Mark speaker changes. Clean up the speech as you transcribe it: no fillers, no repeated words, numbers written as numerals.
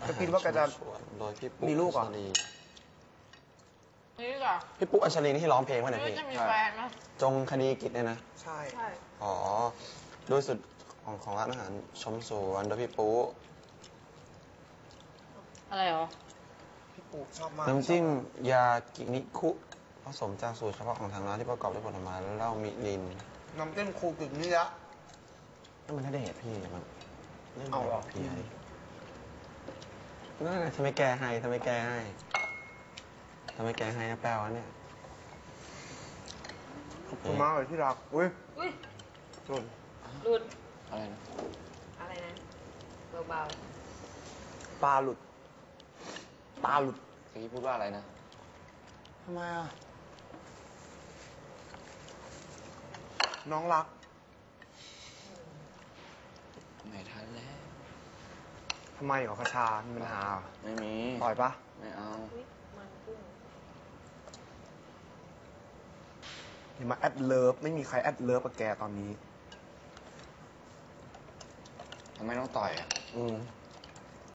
Speaker 1: จะคิดว่าแกจะ
Speaker 2: โดยพี่ปุ๊
Speaker 1: มีลูกเหรอ
Speaker 3: นี่เหรอ
Speaker 2: พี่ปุ๊อัญชลีนี่ที่ร้องเพลงวะ
Speaker 3: ไม่
Speaker 2: เนี่ย
Speaker 3: รู้
Speaker 2: พี่
Speaker 3: จะมีแฟนไหม
Speaker 2: จงคดีกิจเนี่ยนะ
Speaker 1: ใช่
Speaker 3: ใช่
Speaker 2: อ๋อโดยสุดของร้านอาหารชมสวนโดยพี่ปุ๊
Speaker 3: อะไรเหรอ
Speaker 1: พี่ปูชอบมาก
Speaker 2: น้ำจิ้มยากินิคุผสมจากสูตรเฉพาะของทางร้านที่ประกอบด้วยผลไม้และเหล้ามิริน
Speaker 1: น้ำจิ้มครูกึ่งนี่ละ
Speaker 2: นั่นมันน่าจะเหตุพี่มันเรื่อง
Speaker 1: เอาเหรอ
Speaker 2: พี่ไอ้นั่นน่ะทำไมแกให้ทำไมแกให้ทำไมแกให้นะแปลวะเนี่ย
Speaker 1: ขอบคุณมากเลยที่รักอุ้ย
Speaker 3: อุ้ย
Speaker 1: หล่น
Speaker 3: หลุด
Speaker 2: อะไรนะ
Speaker 3: อะไรนะเบา
Speaker 1: ปลาหลุดปลาหลุด
Speaker 2: เมื่อกี้พูดว่าอะไรนะ
Speaker 1: ทำไมอ่ะ น้องรัก
Speaker 2: ไม่ทันแล้ว
Speaker 1: ทำไมเหรอกระชา มีปัญหาเหรอ
Speaker 2: ไม่มี
Speaker 1: ต่อยปะ
Speaker 2: ไม่เอา
Speaker 3: ๆอุ้ยมันกุ้ง
Speaker 1: อย่ามาแอดเลิฟ ไม่มีใครแอดเลิฟกับแกตอนนี้
Speaker 2: ทำไมต้องต่อยอ่ะ
Speaker 1: อืม